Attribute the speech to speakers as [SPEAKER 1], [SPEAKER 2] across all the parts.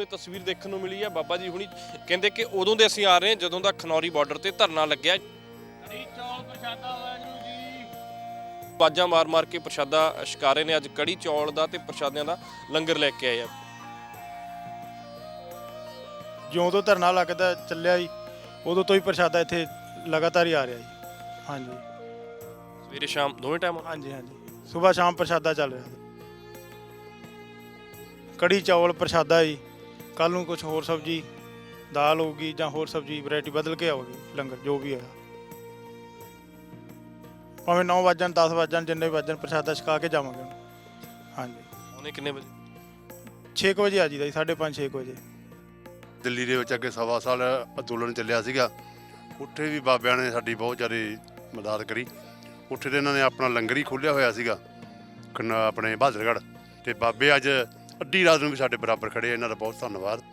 [SPEAKER 1] ਨੂੰ ਇਹ ਤਸਵੀਰ ਦੇਖਣ ਨੂੰ ਮਿਲੀ ਹੈ। ਬਾਬਾ ਜੀ ਹੁਣੀ ਕਹਿੰਦੇ ਕਿ ਉਦੋਂ ਦੇ ਅਸੀਂ ਆ ਰਹੇ ਹਾਂ ਜਦੋਂ ਦਾ ਖਨੌਰੀ ਬਾਰਡਰ ਤੇ ਧਰਨਾ ਲੱਗਿਆ। ਕੜੀ ਚੌਲ ਪ੍ਰਸ਼ਾਦਾ ਵਾਹਿਗੁਰੂ ਜੀ, ਬਾਜਾਂ ਮਾਰ ਕੇ ਪ੍ਰਸ਼ਾਦਾ ਛਕਾ ਰਹੇ ਨੇ। ਅੱਜ ਕੜੀ ਚੌਲ ਦਾ ਤੇ ਪ੍ਰਸ਼ਾਦਿਆਂ ਦਾ ਲੰਗਰ ਲੈ ਕੇ ਆਏ ਆ।
[SPEAKER 2] ਜਿਉਂ ਤੋਂ ਧਰਨਾ ਲੱਗਦਾ ਚੱਲਿਆ ਜੀ ਉਦੋਂ ਤੋਂ ਹੀ ਪ੍ਰਸ਼ਾਦਾ ਇੱਥੇ ਲਗਾਤਾਰ ਹੀ ਆ ਰਿਹਾ ਜੀ। ਹਾਂਜੀ,
[SPEAKER 1] ਸਵੇਰੇ ਸ਼ਾਮ ਦੋਵੇਂ ਟਾਈਮ?
[SPEAKER 2] ਹਾਂਜੀ ਹਾਂਜੀ, ਸਵੇਰ ਸ਼ਾਮ ਪ੍ਰਸ਼ਾਦਾ ਚੱਲ ਰਿਹਾ। ਕੜੀ ਚੌਲ ਪ੍ਰਸ਼ਾਦਾ ਜੀ, ਕੱਲ੍ਹ ਨੂੰ ਕੁਝ ਹੋਰ ਸਬਜ਼ੀ ਦਾਲ ਹੋਊਗੀ ਜਾਂ ਹੋਰ ਸਬਜ਼ੀ ਵੈਰਾਈਟੀ ਬਦਲ ਕੇ ਆਊਗੀ। ਲੰਗਰ ਜੋ ਵੀ ਹੋਇਆ ਭਾਵੇਂ 9 ਵਜਣ 10 ਵਜਣ ਜਿੰਨੇ ਵਜਣ ਪ੍ਰਸ਼ਾਦਾ ਛਕਾ ਕੇ ਜਾਵਾਂਗੇ। ਹਾਂਜੀ,
[SPEAKER 1] ਉਹਨੇ ਕਿੰਨੇ ਵਜੇ?
[SPEAKER 2] 6 ਵਜੇ ਆ ਜੀਦਾ ਜੀ, 5:30 6 ਵਜੇ।
[SPEAKER 3] ਦਿੱਲੀ ਦੇ ਵਿੱਚ ਅੱਗੇ ਸਵਾ ਸਾਲ ਅੰਦੋਲਨ ਚੱਲਿਆ ਸੀਗਾ, ਉੱਥੇ ਵੀ ਬਾਬਿਆਂ ਨੇ ਸਾਡੀ ਬਹੁਤ ਜ਼ਿਆਦਾ ਮਦਦ ਕਰੀ। ਉੱਥੇ ਤੇ ਇਹਨਾਂ ਨੇ ਆਪਣਾ ਲੰਗਰ ਹੀ ਖੋਲ੍ਹਿਆ ਹੋਇਆ ਸੀਗਾ ਆਪਣੇ ਬਹਾਦਰਗੜ੍ਹ, ਤੇ ਬਾਬੇ ਅੱਜ ਅੱਧੀ ਰਾਤ ਨੂੰ ਵੀ ਸਾਡੇ ਬਰਾਬਰ ਖੜੇ। ਇਹਨਾਂ ਦਾ ਬਹੁਤ ਧੰਨਵਾਦ।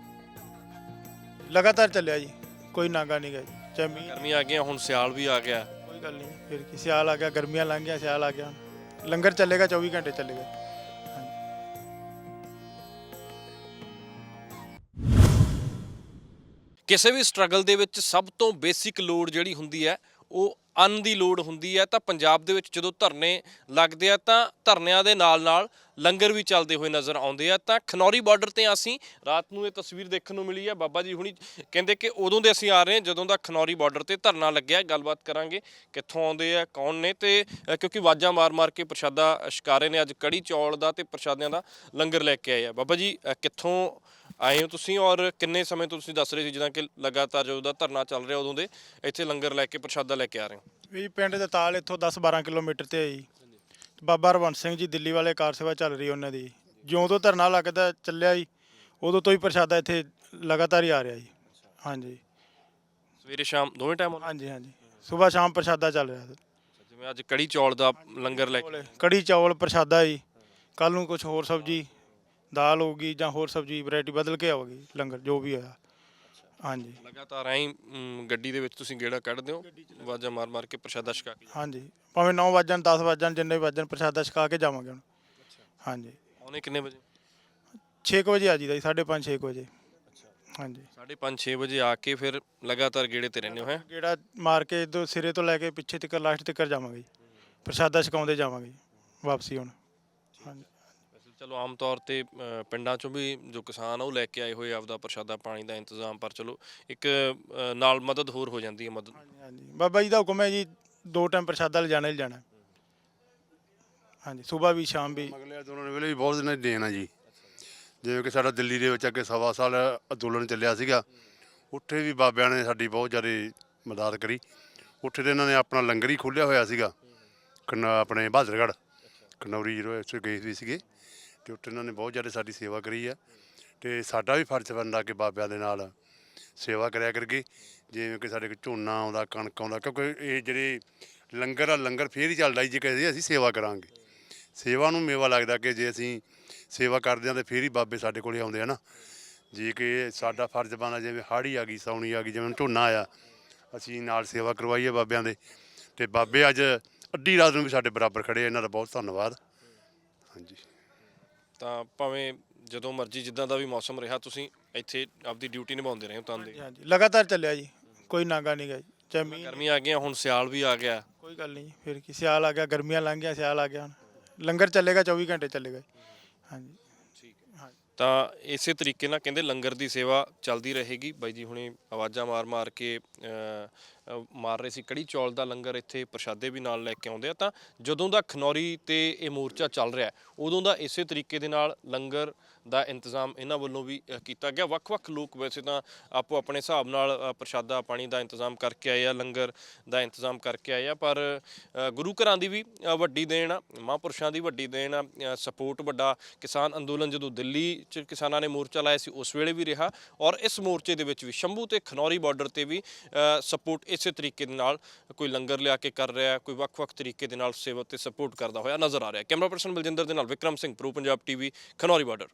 [SPEAKER 2] ਲਗਾਤਾਰ ਚੱਲਿਆ ਜੀ, ਕੋਈ ਨਾਗਾ ਨਹੀਂ ਗਾ ਜੀ। ਚਾਹੇ ਮੀਂਹ
[SPEAKER 1] ਗਰਮੀਆਂ ਆ ਗਈਆਂ, ਹੁਣ ਸਿਆਲ ਵੀ ਆ ਗਿਆ।
[SPEAKER 2] ਕੋਈ ਗੱਲ ਨਹੀਂ, ਫਿਰ ਕੀ ਸਿਆਲ ਆ ਗਿਆ, ਗਰਮੀਆਂ ਲੰਘ ਗਿਆ, ਸਿਆਲ ਆ ਗਿਆ। ਲੰਗਰ ਚੱਲੇਗਾ 24 ਘੰਟੇ ਚੱਲੇਗਾ।
[SPEAKER 1] ਕਿਸੇ ਵੀ ਸਟਰਗਲ ਦੇ ਵਿੱਚ ਸਭ ਤੋਂ ਬੇਸਿਕ ਲੋੜ ਜਿਹੜੀ ਹੁੰਦੀ ਹੈ ਉਹ ਅੰਨ ਦੀ ਲੋੜ ਹੁੰਦੀ ਹੈ। ਤਾਂ ਪੰਜਾਬ ਦੇ ਵਿੱਚ ਜਦੋਂ ਧਰਨੇ ਲੱਗਦੇ ਆ ਤਾਂ ਧਰਨਿਆਂ ਦੇ ਨਾਲ ਲੰਗਰ ਵੀ ਚੱਲਦੇ ਹੋਏ ਨਜ਼ਰ ਆਉਂਦੇ ਆ। ਤਾਂ ਖਨੌਰੀ ਬਾਰਡਰ ਤੇ ਅਸੀਂ ਰਾਤ ਨੂੰ ਇਹ ਤਸਵੀਰ ਦੇਖਣ ਨੂੰ ਮਿਲੀ ਹੈ। ਬਾਬਾ ਜੀ ਹੁਣੀ ਕਹਿੰਦੇ ਕਿ ਉਦੋਂ ਦੇ ਅਸੀਂ ਆ ਰਹੇ ਹਾਂ ਜਦੋਂ ਦਾ ਖਨੌਰੀ ਬਾਰਡਰ ਤੇ ਧਰਨਾ ਲੱਗਿਆ। ਗੱਲਬਾਤ ਕਰਾਂਗੇ ਕਿੱਥੋਂ ਆਉਂਦੇ ਆ, ਕੌਣ ਨੇ, ਤੇ ਕਿਉਂਕਿ ਆਵਾਜ਼ਾਂ ਮਾਰ ਕੇ ਪ੍ਰਸ਼ਾਦਾ ਛਕਾ ਰਹੇ ਨੇ। ਅੱਜ ਕੜੀ ਚੌਲ ਦਾ ਤੇ ਪ੍ਰਸ਼ਾਦਿਆਂ ਦਾ ਲੰਗਰ ਲੈ ਕੇ ਆਏ ਆ। ਬਾਬਾ ਜੀ ਕਿੱਥੋਂ ਆਏ ਹੋ ਤੁਸੀਂ, ਔਰ ਕਿੰਨੇ ਸਮੇਂ ਤੋਂ ਤੁਸੀਂ ਦੱਸ ਰਹੇ ਸੀ ਜਿੱਦਾਂ ਕਿ ਲਗਾਤਾਰ ਜਦੋਂ ਦਾ ਧਰਨਾ ਚੱਲ ਰਿਹਾ ਉਦੋਂ ਦੇ ਇੱਥੇ ਲੰਗਰ ਲੈ ਕੇ ਪ੍ਰਸ਼ਾਦਾ ਲੈ ਕੇ ਆ ਰਹੇ ਹੋ?
[SPEAKER 2] ਵੀ ਪਿੰਡ ਦੇ ਤਾਲ ਇੱਥੋਂ 10-12 ਕਿਲੋਮੀਟਰ ਤੇ ਹੈ ਜੀ। ਬਾਬਾ ਹਰਵੰਸ ਸਿੰਘ ਜੀ ਦਿੱਲੀ ਵਾਲੇ ਕਾਰ ਸੇਵਾ ਚੱਲ ਰਹੀ ਉਹਨਾਂ ਦੀ। ਜਿਉਂ ਤੋਂ ਧਰਨਾ ਲੱਗਦਾ ਚੱਲਿਆ ਜੀ ਉਦੋਂ ਤੋਂ ਹੀ ਪ੍ਰਸ਼ਾਦਾ ਇੱਥੇ ਲਗਾਤਾਰ ਹੀ ਆ ਰਿਹਾ ਜੀ। ਹਾਂਜੀ,
[SPEAKER 1] ਸਵੇਰੇ ਸ਼ਾਮ ਦੋਵੇਂ ਟਾਈਮ?
[SPEAKER 2] ਹਾਂਜੀ ਹਾਂਜੀ, ਸਵੇਰ ਸ਼ਾਮ ਪ੍ਰਸ਼ਾਦਾ ਚੱਲ ਰਿਹਾ।
[SPEAKER 1] ਜਿਵੇਂ ਅੱਜ ਕੜੀ ਚੌਲ ਦਾ ਲੰਗਰ ਲੈ ਕੇ?
[SPEAKER 2] ਕੜੀ ਚੌਲ ਪ੍ਰਸ਼ਾਦਾ ਜੀ, ਕੱਲ੍ਹ ਨੂੰ ਕੁਝ ਹੋਰ ਸਬਜ਼ੀ ਦਾਲ ਹੋਊਗੀ ਜਾਂ ਹੋਰ ਸਬਜ਼ੀ ਵੈਰਾਈਟੀ ਬਦਲ ਕੇ ਆਊਗੀ। ਲੰਗਰ ਜੋ ਵੀ ਹੋਇਆ। ਹਾਂਜੀ,
[SPEAKER 1] ਲਗਾਤਾਰ ਐਂ ਗੱਡੀ ਦੇ ਵਿੱਚ ਤੁਸੀਂ ਗੇੜਾ ਕੱਢਦੇ ਹੋ, ਆਵਾਜ਼ਾਂ ਮਾਰ ਕੇ ਪ੍ਰਸ਼ਾਦਾ ਛਕਾ ਕੇ?
[SPEAKER 2] ਹਾਂਜੀ, ਭਾਵੇਂ 9 ਵਜਣ 10 ਵਜਣ ਜਿੰਨੇ ਵਜਣ ਪ੍ਰਸ਼ਾਦਾ ਛਕਾ ਕੇ ਜਾਵਾਂਗੇ ਹੁਣ। ਹਾਂਜੀ,
[SPEAKER 1] ਉਹਨੇ ਕਿੰਨੇ ਵਜੇ?
[SPEAKER 2] 6 ਵਜੇ ਆ ਜੀਦਾ ਜੀ, 5:30 6 ਵਜੇ। ਹਾਂਜੀ,
[SPEAKER 1] 5:30 6 ਵਜੇ ਆ ਕੇ ਫਿਰ ਲਗਾਤਾਰ ਗੇੜੇ ਤੇ ਰਹਿੰਦੇ ਹੋ? ਹੈ
[SPEAKER 2] ਗੇੜਾ ਮਾਰ ਕੇ ਇੱਧਰ ਸਿਰੇ ਤੋਂ ਲੈ ਕੇ ਪਿੱਛੇ ਤੱਕ ਲਾਸਟ ਤੱਕ ਜਾਵਾਂਗੇ ਜੀ। ਪ੍ਰਸ਼ਾਦਾ ਛਕਾਉਂਦੇ ਜਾਵਾਂਗੇ ਵਾਪਸੀ ਹੁਣ। ਹਾਂਜੀ,
[SPEAKER 1] ਚਲੋ ਆਮ ਤੌਰ ਤੇ ਪਿੰਡਾਂ ਚੋਂ ਵੀ ਜੋ ਕਿਸਾਨ ਆ ਉਹ ਲੈ ਕੇ ਆਏ ਹੋਏ ਆਪਦਾ ਪ੍ਰਸ਼ਾਦਾ ਪਾਣੀ ਦਾ ਇੰਤਜ਼ਾਮ, ਪਰ ਚਲੋ ਇੱਕ ਨਾਲ ਮਦਦ ਹੋਰ ਹੋ ਜਾਂਦੀ ਹੈ। ਮਦਦ
[SPEAKER 2] ਹਾਂਜੀ, ਬਾਬਾ ਜੀ ਦਾ ਹੁਕਮ ਹੈ ਜੀ, 2 ਟਾਈਮ ਪ੍ਰਸ਼ਾਦਾ ਲਿਜਾਣਾ ਹੀ ਲਿਜਾਣਾ। ਹਾਂਜੀ, ਸਵੇਰ ਵੀ ਸ਼ਾਮ ਵੀ।
[SPEAKER 3] ਅਗਲੇ ਅੰਦੋਲਨ ਵੇਲੇ ਵੀ ਬਹੁਤ ਇਹਨਾਂ ਦੀ ਦੇਣ ਆ ਜੀ। ਜਿਵੇਂ ਕਿ ਸਾਡਾ ਦਿੱਲੀ ਦੇ ਵਿੱਚ ਅੱਗੇ ਸਵਾ ਸਾਲ ਅੰਦੋਲਨ ਚੱਲਿਆ ਸੀਗਾ, ਉੱਥੇ ਵੀ ਬਾਬਿਆਂ ਨੇ ਸਾਡੀ ਬਹੁਤ ਜ਼ਿਆਦਾ ਮਦਦ ਕਰੀ। ਉੱਥੇ ਤੇ ਇਹਨਾਂ ਨੇ ਆਪਣਾ ਲੰਗਰ ਹੀ ਖੋਲ੍ਹਿਆ ਹੋਇਆ ਸੀਗਾ ਆਪਣੇ ਬਹਾਦਰਗੜ੍ਹ, ਖਨੌਰੀ ਜਦੋਂ ਇੱਥੇ ਗਏ ਵੀ ਸੀਗੇ, ਅਤੇ ਉੱਥੇ ਇਹਨਾਂ ਨੇ ਬਹੁਤ ਜ਼ਿਆਦਾ ਸਾਡੀ ਸੇਵਾ ਕਰੀ ਆ। ਅਤੇ ਸਾਡਾ ਵੀ ਫਰਜ਼ ਬਣਦਾ ਕਿ ਬਾਬਿਆਂ ਦੇ ਨਾਲ ਸੇਵਾ ਕਰਿਆ ਕਰਕੇ। ਜਿਵੇਂ ਕਿ ਸਾਡੇ ਕੋਲ ਝੋਨਾ ਆਉਂਦਾ, ਕਣਕ ਆਉਂਦਾ, ਕਿਉਂਕਿ ਇਹ ਜਿਹੜੇ ਲੰਗਰ ਆ, ਲੰਗਰ ਫੇਰ ਹੀ ਚੱਲਦਾ ਜੇ ਕਹੇ ਅਸੀਂ ਸੇਵਾ ਕਰਾਂਗੇ। ਸੇਵਾ ਨੂੰ ਮੇਵਾ ਲੱਗਦਾ ਕਿ ਜੇ ਅਸੀਂ ਸੇਵਾ ਕਰਦੇ ਹਾਂ ਤਾਂ ਫੇਰ ਹੀ ਬਾਬੇ ਸਾਡੇ ਕੋਲ ਆਉਂਦੇ ਆ ਨਾ। ਜੇ ਕਿ ਸਾਡਾ ਫਰਜ਼ ਬਣਦਾ, ਜਿਵੇਂ ਹਾੜ੍ਹੀ ਆ ਗਈ, ਸਾਉਣੀ ਆ ਗਈ, ਜਿਵੇਂ ਝੋਨਾ ਆਇਆ, ਅਸੀਂ ਨਾਲ ਸੇਵਾ ਕਰਵਾਈਏ ਬਾਬਿਆਂ ਦੇ। ਅਤੇ ਬਾਬੇ ਅੱਜ ਅੱਧੀ ਰਾਤ ਨੂੰ ਵੀ ਸਾਡੇ ਬਰਾਬਰ ਖੜੇ। ਇਹਨਾਂ ਦਾ ਬਹੁਤ ਧੰਨਵਾਦ। ਹਾਂਜੀ,
[SPEAKER 1] ਤਾਂ ਭਾਵੇਂ ਜਦੋਂ ਮਰਜ਼ੀ ਜਿੱਦਾਂ ਦਾ ਵੀ ਮੌਸਮ ਰਿਹਾ ਤੁਸੀਂ ਇੱਥੇ ਆਪਦੀ ਡਿਊਟੀ ਨਿਭਾਉਂਦੇ ਰਹੇ ਹੋ? ਤਾਂ ਦੇ
[SPEAKER 2] ਹਾਂਜੀ, ਲਗਾਤਾਰ ਚੱਲਿਆ ਜੀ, ਕੋਈ ਨਾਗਾ ਨਹੀਂ ਗਾ ਜੀ। ਚਾਹੇ ਮੀਂਹ
[SPEAKER 1] ਗਰਮੀਆਂ ਆ ਗਈਆਂ, ਹੁਣ ਸਿਆਲ ਵੀ ਆ ਗਿਆ।
[SPEAKER 2] ਕੋਈ ਗੱਲ ਨਹੀਂ, ਫਿਰ ਕੀ ਸਿਆਲ ਆ ਗਿਆ, ਗਰਮੀਆਂ ਲੰਘ ਗਿਆ, ਸਿਆਲ ਆ ਗਿਆ। ਹੁਣ ਲੰਗਰ ਚੱਲੇਗਾ 24 ਘੰਟੇ ਚੱਲੇਗਾ। ਹਾਂਜੀ,
[SPEAKER 1] ਠੀਕ ਹੈ। ਤਾਂ ਇਸੇ ਤਰੀਕੇ ਨਾਲ ਕਹਿੰਦੇ ਲੰਗਰ ਦੀ ਸੇਵਾ ਚੱਲਦੀ ਰਹੇਗੀ। ਬਾਈ ਜੀ ਹੁਣੇ ਆਵਾਜ਼ਾਂ ਮਾਰ ਕੇ ਮਾਰ ਰਹੇ ਸੀ। ਕੜੀ ਚੌਲ ਦਾ ਲੰਗਰ ਇੱਥੇ ਪ੍ਰਸ਼ਾਦੇ ਵੀ ਨਾਲ ਲੈ ਕੇ ਆਉਂਦੇ ਆ। ਤਾਂ ਜਦੋਂ ਦਾ ਖਨੌਰੀ ਤੇ ਇਹ ਮੋਰਚਾ ਚੱਲ ਰਿਹਾ ਉਦੋਂ ਦਾ ਇਸੇ ਤਰੀਕੇ ਦੇ ਨਾਲ ਲੰਗਰ ਦਾ ਇੰਤਜ਼ਾਮ ਇਹਨਾਂ ਵੱਲੋਂ ਵੀ ਕੀਤਾ ਗਿਆ। ਵੱਖ-ਵੱਖ ਲੋਕ ਵੈਸੇ ਤਾਂ ਆਪੋ ਆਪਣੇ ਹਿਸਾਬ ਨਾਲ ਪ੍ਰਸ਼ਾਦਾ ਪਾਣੀ ਦਾ ਇੰਤਜ਼ਾਮ ਕਰਕੇ ਆਏ ਆ, ਲੰਗਰ ਦਾ ਇੰਤਜ਼ਾਮ ਕਰਕੇ ਆਏ ਆ, ਪਰ ਗੁਰੂ ਘਰਾਂ ਦੀ ਵੀ ਵੱਡੀ ਦੇਣ ਆ, ਮਹਾਂਪੁਰਸ਼ਾਂ ਦੀ ਵੱਡੀ ਦੇਣ ਆ, ਸਪੋਰਟ ਵੱਡਾ ਕਿਸਾਨ ਅੰਦੋਲਨ ਜਦੋਂ ਦਿੱਲੀ 'ਚ ਕਿਸਾਨਾਂ ਨੇ ਮੋਰਚਾ ਲਾਇਆ ਸੀ ਉਸ ਵੇਲੇ ਵੀ ਰਿਹਾ, ਔਰ ਇਸ ਮੋਰਚੇ ਦੇ ਵਿੱਚ ਵੀ ਸ਼ੰਭੂ ਤੇ ਖਨੌਰੀ ਬਾਰਡਰ ਤੇ ਵੀ ਸਪੋਰਟ ਇਸੇ ਤਰੀਕੇ ਦੇ ਨਾਲ ਕੋਈ ਲੰਗਰ ਲਿਆ ਕੇ ਕਰ ਰਿਹਾ, ਕੋਈ ਵੱਖ-ਵੱਖ ਤਰੀਕੇ ਦੇ ਨਾਲ ਸੇਵਾ ਤੇ ਸਪੋਰਟ ਕਰਦਾ ਹੋਇਆ ਨਜ਼ਰ ਆ ਰਿਹਾ। ਕੈਮਰਾ ਪਰਸਨ ਬਲਜਿੰਦਰ ਦੇ ਨਾਲ Vikram Singh, pro Punjab TV, Khanauri border.